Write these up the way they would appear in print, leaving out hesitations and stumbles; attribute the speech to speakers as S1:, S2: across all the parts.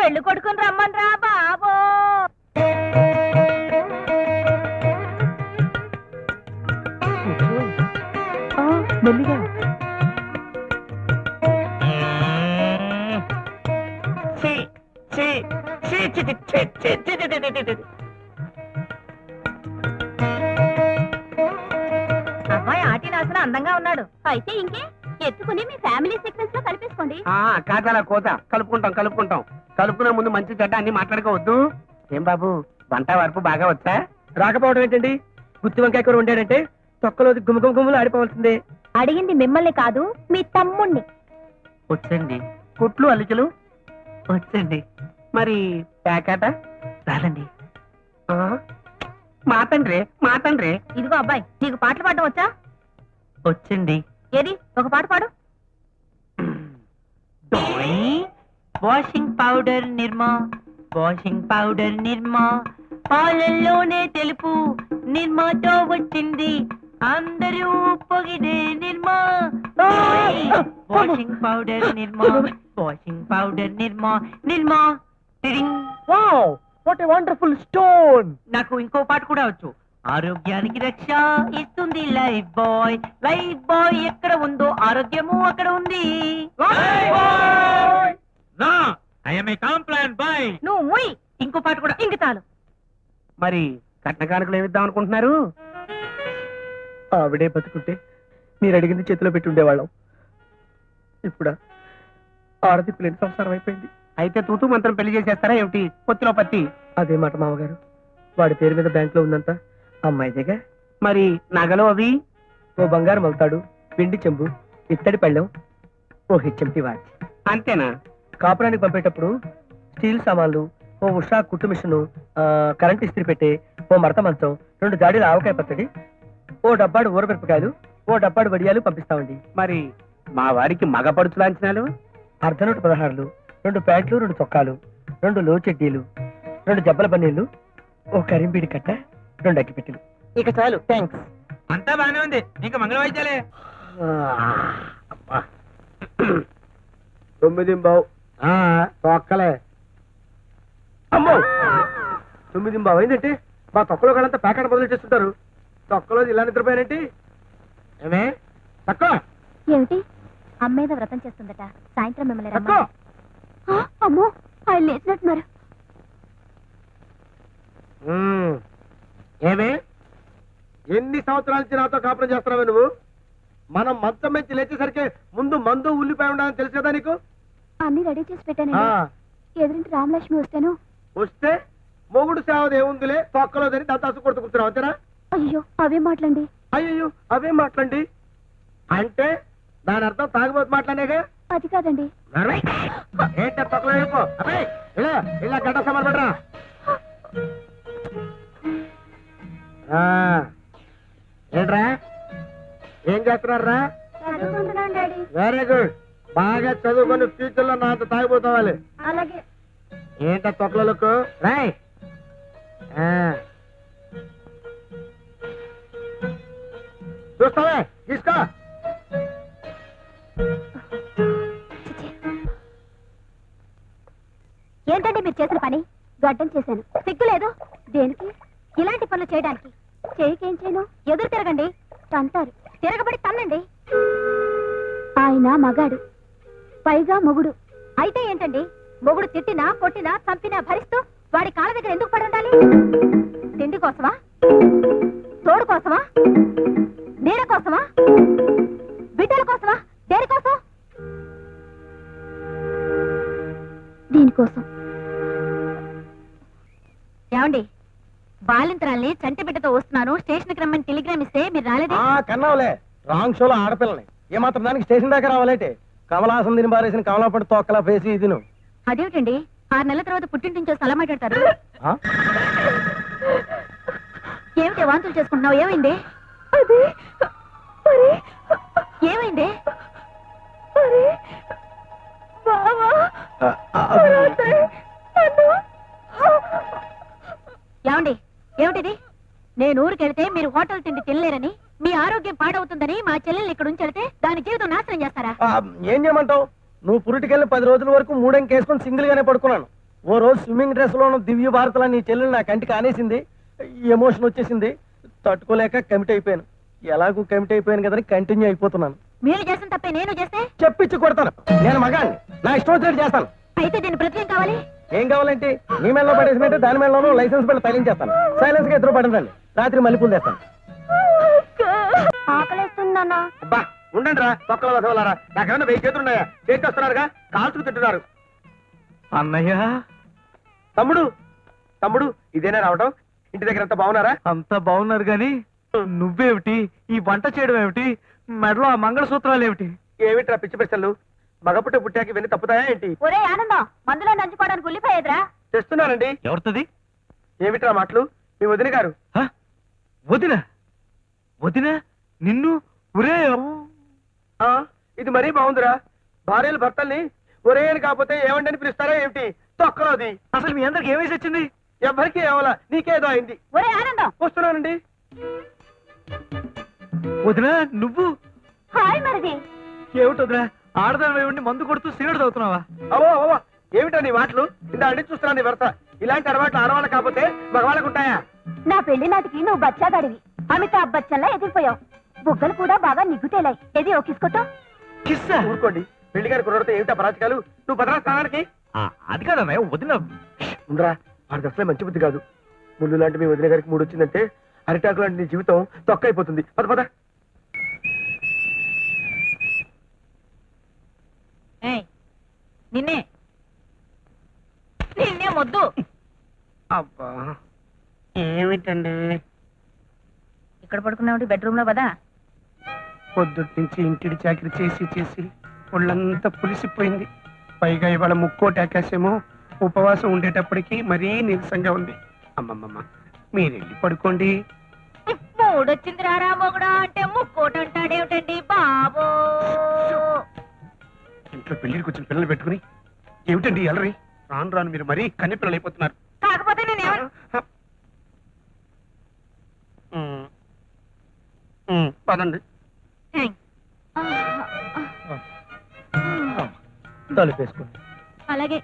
S1: పెళ్లి కొడుకుని రమ్మన్రా బాబో.
S2: మెల్లిగా
S1: అబ్బాయి ఆటినాసన అందంగా ఉన్నాడు. అయితే ఇంకే ఎత్తుకుని మీ ఫ్యామిలీ సీక్వెన్స్ లో కలిపేసుకోండి.
S2: కాదలా కోత కలుపుకుంటాం కలుపుకునే ముందు మంచి చెడ్డ అన్ని మాట్లాడుకోవద్దు. ఏం బాబు వంట వరపు బాగా వచ్చా? రాకపోవడం ఏంటండి? గుత్తి వంకాయ కూర వండాడంటే తొక్కలో గుమ్మగుమ్మలు ఆడిపోవాల్సిందే.
S1: అడిగింది మిమ్మల్ని కాదు, మీ తమ్ముణ్ణి.
S2: వచ్చండి. కుట్లు అల్లికలు వచ్చండి. మరి ప్యాకెట రాదండి. మాతండ్రే
S1: ఇదిగో అబ్బాయి, నీకు పాటలు పాడడం వచ్చా?
S2: వచ్చండి.
S1: ఏది ఒక పాట పాడు.
S2: వాషింగ్ పౌడర్ నిర్మా పాలల్లోనే తెలుపు నిర్మాతో వచ్చింది అందరూ పొగిడే Nirma. Washing powder Nirma wow what a wonderful stone. నాకు ఇంకో పాట కూడా వచ్చు. ఆరోగ్యానికి రక్ష ఇస్తుంది లైఫ్ బాయ్ ఎక్కడ ఉందో ఆరోగ్యము అక్కడ ఉంది.
S1: నువ్వు ముయ్.
S2: ఇంకో పాట కూడా.
S1: ఇంక చాలు.
S2: మరి కట్న కానుకలు ఏమిద్దాం అనుకుంటున్నారు? ఆవిడే బతుకుంటే మీరు అడిగింది చేతిలో పెట్టి ఉండేవాళ్ళం. ఇప్పుడు ఆడదిప్పులేని సంసారం అయిపోయింది. అయితే తూతూ మంత్రం పెళ్లి చేసేస్తారా ఏమిటి? పొత్తిలో పత్తి. అదే మాట మామగారు. వాడి పేరు మీద బ్యాంక్ లో ఉందంతా అమ్మాయిదేగా. మరి నగలు అవి? ఓ బంగారు మలుతాడు, పిండి చెంబు, ఇత్తడి పళ్ళెం, ఓ హెచ్ఎంటి వాచ్. అంతేనా? కాపురానికి పంపేటప్పుడు స్టీల్ సామాన్లు, ఓ ఉషా కుట్టు మిషను, కరెంట్ ఇస్త్రీ పెట్టే, ఓ మడత మంచం, 2 జాడీల ఆవకాయ పచ్చడి, ఓ డబ్బాడు ఊరమిరపకాయలు, ఓ డబ్బాడు వడియాలు పంపిస్తామండి. మరి మా వారికి మగ పడుచు లాంఛనాలు? అర్ధనూట 16లు, 2 ప్యాంట్లు, 2 చొక్కాలు, 2 లో చెడ్డీలు, 2 జబ్బల బన్నీళ్లు, ఓ కరింబీడి కట్ట, 2 అగ్గిపెట్టెలు. ఇక చాలు, థ్యాంక్స్. అంతా బానే ఉంది. ఇంకా మంగళ వాయిద్యాలే. 9 తొక్కలే. అమ్మో 9 అయిందంటే మా తొక్కలో కాలంతా ప్యాకెట్ బదులు చేస్తుంటారు. తొక్కలో ఇలా నిద్రపోయానంటే ఏమే తక్కువ
S1: ఏమిటి? అమ్మేద వ్రతం చేస్తుందట. సాయంత్రం మిమ్మల్ని అమ్మో ఆయన లేచినట్టున్నారు.
S3: ఏమే ఎన్ని సంవత్సరాల నుంచి నాతో కాపురం చేస్తున్నావే నువ్వు? మనం మంచం మంచి లేచేసరికి ముందు మందు ఉల్లిపాయ ఉండాలని తెలుసు కదా నీకు?
S1: అన్ని రెడీ చేసి పెట్టాను. ఎదురింటి రామలక్ష్మి
S3: వస్తే మొగుడు సేవది ఏముందిలే, తొక్కలోదని దత్తాసు కొడుతూ కూర్చున్నావు అంతేనా?
S1: అయ్యో అవే మాట్లాడండి.
S3: అయ్యో అవే మాట్లాడండి అంటే దాని అర్థం తాగుబోతు మాట్లాడేగా?
S1: అది కాదండి.
S3: ఏంట తొక్కలో వెళ్ళిపో. అబ్బాయి ఇలా ఇలా గడ్డ సమాన్ పడరా. ఏంట్రా ఏం చేస్తున్నారా? Very good. బాగా చదువుకొని ఫ్యూచర్ లో నాతో తాగిపోతావాలి.
S1: అలాగే.
S3: ఏంట తొక్కలకు రాయ్. చూస్తావే తీసుకో.
S1: ఏంటంటే మీరు చేసిన పని? గడ్డం చేశాను. సిగ్గు లేదు దేనికి? ఇలాంటి పనులు చేయడానికి. చేయికేం చేయను? ఎదురు తిరగండి. తంటారు. తిరగబడి తన్నండి. ఆయన మగాడు, పైగా మొగుడు. అయితే ఏంటండి? మొగుడు తిట్టినా కొట్టినా చంపినా భరిస్తూ వాడి కాళ్ళ దగ్గర ఎందుకు పడి ఉండాలి? తిండి కోసమా? తోడు కోసమా? నీడ కోసమా? బిడ్డల కోసమా? దేనికోసం? దీనికోసం. ఏమండి, బాలింతరాల్ని చంటి బిడ్డతో వస్తున్నాను, స్టేషన్కి రమ్మని టెలిగ్రామ్ ఇస్తే మీరు రాలేదే?
S3: కన్నావులే. రాంగ్ షోలో ఆడపిల్లని ఏమాత్రం దానికి స్టేషన్ దాకా రావాలంటే కమలాసం తిని బారేసిన కమలాపడి తొక్కలా పేసి ఇది నువ్వు.
S1: అదేమిటండి 6 నెలల తర్వాత పుట్టింటించో స్థలం మాట్లాడతారు. ఏమిటి వాంతులు చేసుకుంటున్నావు? ఏమైంది? ఏమైంది? ఏమండి, ఏమిటిది? నేను ఊరికెళ్తే మీరు హోటల్ తిండి తినలేరని, మీ ఆరోగ్యం పాడవుతుందని మా చెల్లెల్ని ఇక్కడ ఉంచెడితే దాని జీవితం నాశనం చేస్తారా?
S3: ఏం చేయమంటావు? నువ్వు పురిటికెళ్ళి 10 రోజుల వరకు 3 కేసుకొని సింగిల్ గానే పడుకున్నాను.
S2: ఓ రోజు స్విమ్మింగ్ డ్రెస్ లోను దివ్య భారతలా నీ చెల్లెలు నా కంటికి ఆనేసింది. ఎమోషన్ వచ్చేసింది, తట్టుకోలేక కమిట్ అయిపోయాను. ఎలాగూ కమిట్ అయిపోయాను కదని కంటిన్యూ అయిపోతున్నాను.
S1: మీరు చేసిన తప్పే నేను చేస్తే
S2: చెప్పించి కొడతాను. నేను మగాన్ని, నా ఇష్టం వచ్చినట్టు చేస్తాను.
S1: అయితే దీని ప్రతి కావాలి.
S2: ఏం కావాలంటే నీ మెడలో పడేసినట్టు దాని మెడలోనూ లైసెన్స్ బిల్లు తగిలించేస్తాను. సైలెన్స్ గా ఎదురు పడండి. రాత్రి మల్లెపూలు తెస్తాను.
S1: ఆకలేస్తుందన్నా.
S3: అబ్బా ఉండండి రా తొక్కల వసవలారా. నాకేమన్నా 1000 చేతులు ఉన్నాయా? చేతి వస్తున్నారుగా, కాల్చుకు తింటున్నారు.
S2: అన్నయ్య,
S3: తమ్ముడు తమ్ముడు ఇదేనా రావటం? ఇంటి దగ్గర అంతా బాగున్నారా?
S2: అంతా బాగున్నారు గాని నువ్వేమిటి ఈ వంట చేయడం ఏమిటి? మెడలో ఆ మంగళసూత్రాలు ఏమిటి?
S3: ఏమిట్రా పిచ్చి పిచ్చలు? మగపుట్ట పుట్టాకి ఇవన్నీ తప్పుతాయా ఏంటి?
S1: ఒరే ఆనందం, మందులో నంచుకోవడానికి ఉల్లిపోయేదిరా.
S3: తెస్తున్నానండి.
S2: ఎవరిది?
S3: ఏమిట్రా మాటలు? మీ వదిన గారు.
S2: వదిన? వదిన నిన్ను? ఒరే
S3: ఆ, ఇది మరీ బాగుందిరా. భార్యలు భర్తల్ని ఒరే అని కాకపోతే ఏమండి అని పిలుస్తారా ఏమిటి? తొక్కలోది.
S2: అసలు మీ అందరికి ఏమేసి వచ్చింది?
S3: ఎవరికి ఏమలా, నీకేదో అయింది.
S1: ఒరే ఆనందం.
S3: వస్తున్నానండి.
S2: వదిన నువ్వు?
S1: హాయ్ మరిది.
S2: ఏమిటి వదిన, ఆడదాని ఉండి మందు కొడుతూ సిగరెట్ తాగుతున్నావా?
S3: అవో అవో ఏమిటా నీ మాటలు? ఇంత అడిగి చూస్తున్నా నీ భర్త. ఇలాంటి అలవాట్లు ఆడవాళ్ళ కాకపోతే మగవాళ్ళకు ఉంటాయా?
S1: నా పెళ్లి నాటికి నువ్వు బచ్చాగాడివి. అమితాబ్ బచ్చన్లా ఎదిరిపోయావు. బుగ్గలు కూడా బాగా నిగ్గుతేలాయి. ఏది ఓ కిస్కొట్టో.
S2: కిస్సా?
S3: ఊరుకోండి. పెళ్లి గారి కుర్రతో ఏమిటా పరాచకాలు? నువ్వు భద్రా స్థానానికి
S2: అది కాదన్నయ్య, వదిన.
S3: ఉండరా, వాడికి అసలే మంచి బుద్ధి కాదు. ముళ్ళు లాంటి మీ వదిన గారికి 3 వచ్చిందంటే అరిటాకు లాంటి నీ జీవితం తొక్క అయిపోతుంది. పద పద.
S1: నిన్నే నిన్నే మొద్దు.
S2: అబ్బా ఏమిటండి?
S1: ఇక్కడ పడుకున్నావు బెడ్రూమ్ లో కదా.
S2: పొద్దుటి నుంచి ఇంటిడి చాకరీ చేసి చేసి ఒళ్ళంతా పులిసిపోయింది. పైగా ఇవాళ ముక్కోటి ఆకాశమో ఉపవాసం ఉండేటప్పటికి మరీ నీరసంగా ఉంది. అమ్మమ్మమ్మ, మీరెళ్ళి పడుకోండి.
S1: మూడొచ్చింది రారా మొగుడా అంటే ముక్కోటి అంటాడేమిటండి బాబో.
S2: ఇంట్లో పెళ్లికి వచ్చిన పిల్లలు పెట్టుకుని ఏమిటండి ఎలరి? రాను రాను మీరు మరీ కన్నె పిల్లలు అయిపోతున్నారు.
S1: కాకపోతే నేనేమన్నా
S2: పదండి. తలుపేసుకోండి.
S1: అలాగే.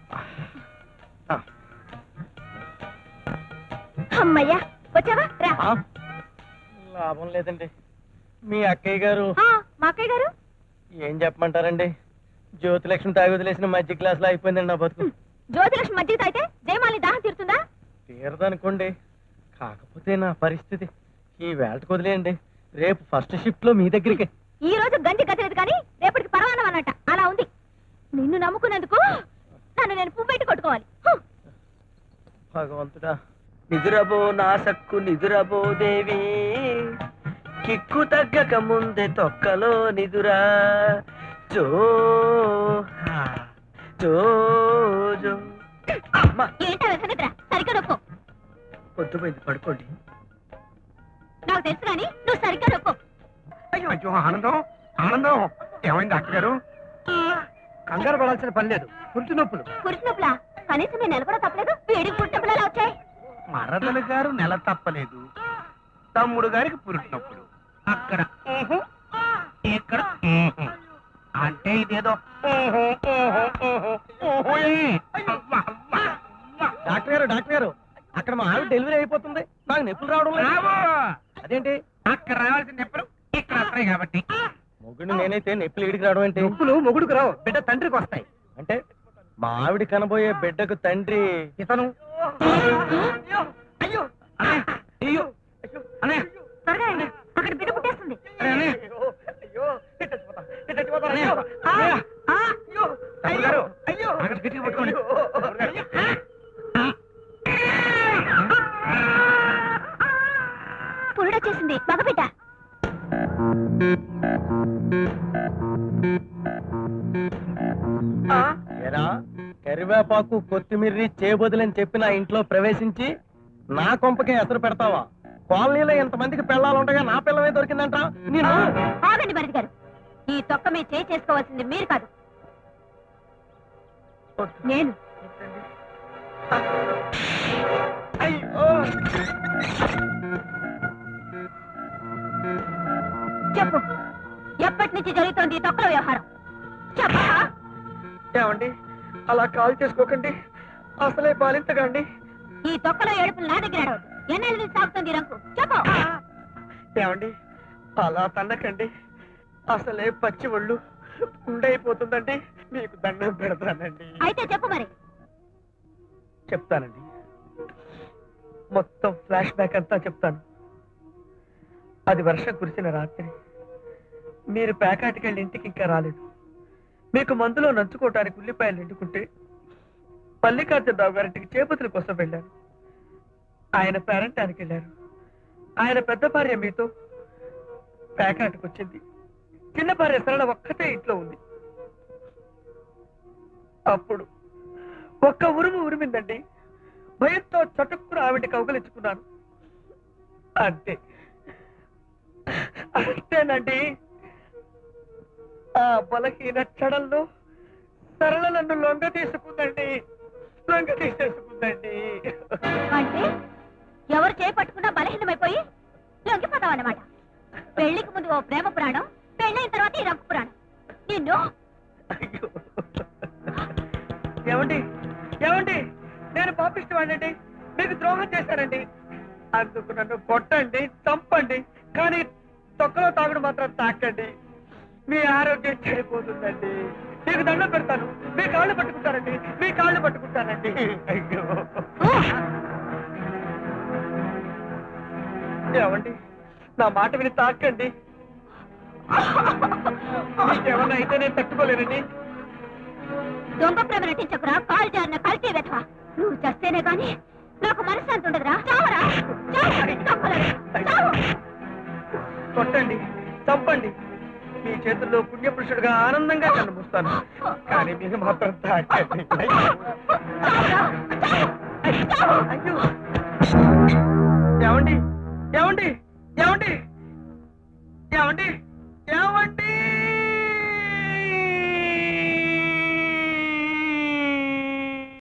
S1: అమ్మయ్యా వచ్చావా రా.
S2: లాభం లేదండి. మీ అక్కయ్య గారు.
S1: మా అక్కయ్య గారు
S2: ఏం చెప్పమంటారండి? జ్యోతిలక్ష్మి తాగి వదిలేసిన మధ్య క్లాస్ లో అయిపోయిందండి నా బతుకు.
S1: జ్యోతిలక్ష్మి మధ్య తాగితే జయమాలి దాహం తీరుతుందా?
S2: తీరదనుకోండి. కాకపోతే నా పరిస్థితి ఈ వేళకు వదిలేయండి. రేపు ఫస్ట్ షిఫ్ట్ లో మీ దగ్గరికి.
S1: ఈ రోజు గంజి గతలేదు కానీ రేపటికి పరవానం అన్నట్ట అలా ఉంది. నిన్ను నమ్ముకున్నందుకు నన్ను నేను పువ్వెట్టి కొట్టుకోవాలి.
S2: భగవంతుడా.
S4: నిదురబో నా సక్కు నిదురబో దేవి, కిక్కు తగ్గక ముందే తొక్కలో నిదురా. జో జో జో. అమ్మా
S1: ఏంటో వెసనిద్రా, సరిగ్గా నొక్కో.
S4: పొద్దుపోయింది, పడుకోండి.
S1: నాకు తెలుసు కానీ నువ్వు సరిగ్గా నొక్కో.
S2: అయ్యో అయ్యో ఆనందం, ఆనందం. ఏమైంది డాక్టర్ గారు? కంగారు పడాల్సిన పని లేదు. పురుటి నొప్పులు.
S1: పురుటి నొప్పులా? కనీసం నేను నెల కూడా తప్పలేదు. వేడికి పురుటి నొప్పులు ఎలా వచ్చాయి?
S2: మరదలు గారు నెల తప్పలేదు. తమ్ముడు గారికి పురుటి నొప్పులు. అక్కడ ఇక్కడ అంటే ఇదేదో డాక్టర్ గారు, డాక్టర్ గారు, అక్కడ మా ఆవిడ డెలివరీ అయిపోతుంది. నాకు నొప్పులు రావడం లేదు. అదేంటి? అక్కడ రావాల్సిన నొప్పులు ఇక్కడ వస్తాయి కాబట్టి. మొగుడు నేనైతే నొప్పులు ఇడికి రావడం ఏంటి? నొప్పులు మొగుడుకు రావు, బిడ్డ తండ్రికి వస్తాయి. అంటే మా ఆవిడ కనబోయే బిడ్డకు తండ్రి ఇతను. అయ్యో అయ్యో అనే
S1: త్వరగా రండి, అక్కడ బిడ్డ పుట్టేస్తుంది. పురుడొచ్చేసింది, మగబిడ్డ.
S2: కరివేపాకు కొత్తిమీర్రి చేయబోదులని చెప్పి నా ఇంట్లో ప్రవేశించి నా కొంపకే ఎసరు పెడతావా? కాలనీలో ఎంతమందికి పిల్లలుండగా నా పిల్లమే దొరికిందంట. నేను
S1: ఆగండి భరత్ గారు, ఈ తొక్క మీద చేయి చేసుకోవాల్సింది మీరు కాదు, నేను. చెప్పు, ఎప్పటి నుంచి జరుగుతోంది ఈ తొక్కల వ్యవహారం? చెప్పా.
S3: ఏమండి అలా కాల్ చేసుకోకండి.
S2: అసలే పాలించకండి.
S1: ఈ తొక్కలో ఏడుపులు నా దగ్గర ఏడవద్దు. ఎన్నెల నుంచి సాగుతుంది ఈ రంకు చెప్పు.
S2: ఏమండి అలా తన్నకండి. అసలే పచ్చి ఒళ్ళు ఉండైపోతుందండి. మీకు దండం పెడతానండి.
S1: అయితే చెప్పు మరి.
S2: చెప్తానండి, మొత్తం ఫ్లాష్ బ్యాక్ అంతా చెప్తాను. అది వర్షం కురిసిన రాత్రి. మీరు ప్యాకాటికి వెళ్ళి ఇంటికి ఇంకా రాలేదు. మీకు మందులో నంచుకోవటానికి ఉల్లిపాయలు నిండుకుంటే మల్లికార్జునరావు గారింటికి చేపతుల కోసం వెళ్ళాను. ఆయన పేరంటానికి వెళ్ళారు. ఆయన పెద్ద భార్య మీతో ప్యాకాటికి వచ్చింది. చిన్న భార్య సరళ ఒక్కతే ఇంట్లో ఉంది. అప్పుడు ఒక్క ఉరుము ఉరిమిందండి. భయంతో చటుక్కున ఆవిడ కౌగలించుకున్నాను. అంతే అంతేనండి. ఆ బలహీన చడల్లో సరళ నన్ను లొంగ తీసుకుందండి.
S1: అంటే ఎవరు చేపట్టుకున్నా బలహీనమైపోయి లొంగిపోతావన్నమాట. పెళ్లికి ముందు ఓ ప్రేమ పురాణం, పెళ్ళైన తర్వాత ఈ రంకు పురాణం. నిన్ను
S2: ఏమండి ఏమండి నేను పాపిష్టవాడండి. మీకు ద్రోహం చేశానండి. అందుకు నన్ను కొట్టండి, చంపండి, కానీ తొక్కలో తాగుడు మాత్రం తాకండి. మీ ఆరోగ్యం చెడిపోతుందండి. మీకు దండం పెడతాను. మీ కాళ్ళు పట్టుకుంటానండి. మీ కాళ్ళు పట్టుకుంటానండి. అయ్యో ఏమండి నా మాట విని తాకండి. మీకేమన్నా అయితే నేను తట్టుకోలేనండి.
S1: దొంగ ప్రేమ నటించకురా. కాలు జారిన కలిసే వెధవా. నువ్వు చస్తేనే గాని నాకు మనశ్శాంతి ఉండదురా. చావరా చావు.
S2: కొట్టండి, చంపండి. మీ చేతుల్లో పుణ్యపురుషుడిగా ఆనందంగా కనిపిస్తాను. కానీ మీరు మాత్రం తాకండి. అయ్యో ఏమండి ఏమండి ఏమండి ఏమండి